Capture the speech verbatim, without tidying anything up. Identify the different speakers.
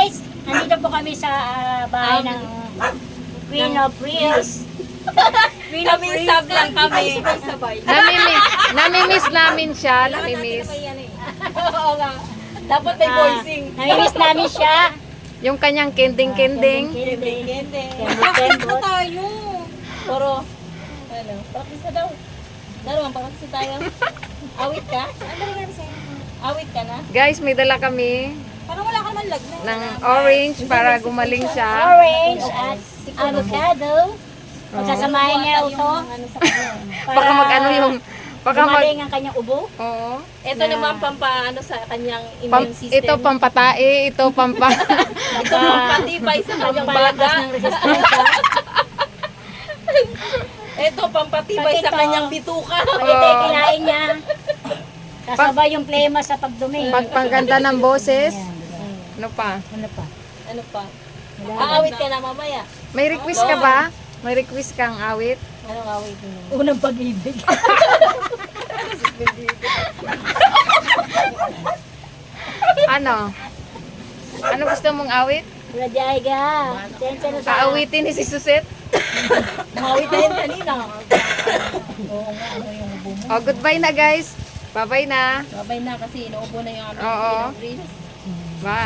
Speaker 1: guys, nandito po kami sa ah, bahay ng Queen of Reels. Queen of
Speaker 2: Kami
Speaker 1: Reels.
Speaker 2: sab lang kami. Sabay.
Speaker 3: Namimiss, namimiss namin siya, namimiss.
Speaker 2: Oo nga. Dapat may
Speaker 1: Ah,
Speaker 2: voicing.
Speaker 1: namimiss namin siya.
Speaker 3: Yung kanyang kending-kending.
Speaker 1: Kending.
Speaker 2: Gende.
Speaker 1: Kending.
Speaker 2: tayo. Pero, ano, practice na daw. Darwang, practice tayo. Awit ka? Ano rin sa'yo? Awit ka na?
Speaker 3: Guys, may dala kami
Speaker 2: Parang wala ka naman lagna.
Speaker 3: ng orange para gumaling siya.
Speaker 1: Orange at avocado. Pagsasamahin niya ito.
Speaker 2: Ano sa kanya?
Speaker 3: Baka mag-ano yung... Baka mag...
Speaker 1: Gumaling ang kanyang ubo.
Speaker 3: Oo.
Speaker 2: Ito naman pampaano sa kanyang
Speaker 3: Pam,
Speaker 2: immune system.
Speaker 3: ito pampatae, ito pampa...
Speaker 2: Ito pampatibay sa kanyang baga.
Speaker 1: Pampalakas ng resistensya.
Speaker 2: Ito pampatibay
Speaker 1: Pag
Speaker 2: sa
Speaker 1: ito-
Speaker 2: kanyang bituka.
Speaker 1: Pag ito ay kinain niya, kasabay yung plema sa pagdumi.
Speaker 3: Pagpaganda ng boses.
Speaker 1: Ayan.
Speaker 3: Ano pa?
Speaker 1: Ano pa?
Speaker 2: Ano pa? Aawit ka na mamaya.
Speaker 3: May request ka ba? May request kang awit?
Speaker 2: Anong awit mo?
Speaker 1: Unang pag-ibig.
Speaker 3: Ano? Ano gusto mong awit?
Speaker 1: Radyay ka. Sensya na sa...
Speaker 3: Aawitin ni si Suset?
Speaker 2: Umawit na yun kanina.
Speaker 1: Oo nga, ano yung ubo mo?
Speaker 3: Oh, goodbye na guys. Bye-bye na.
Speaker 2: Babay na kasi inuubo na yung ano.
Speaker 3: Oo.
Speaker 2: Reels.
Speaker 3: Bye.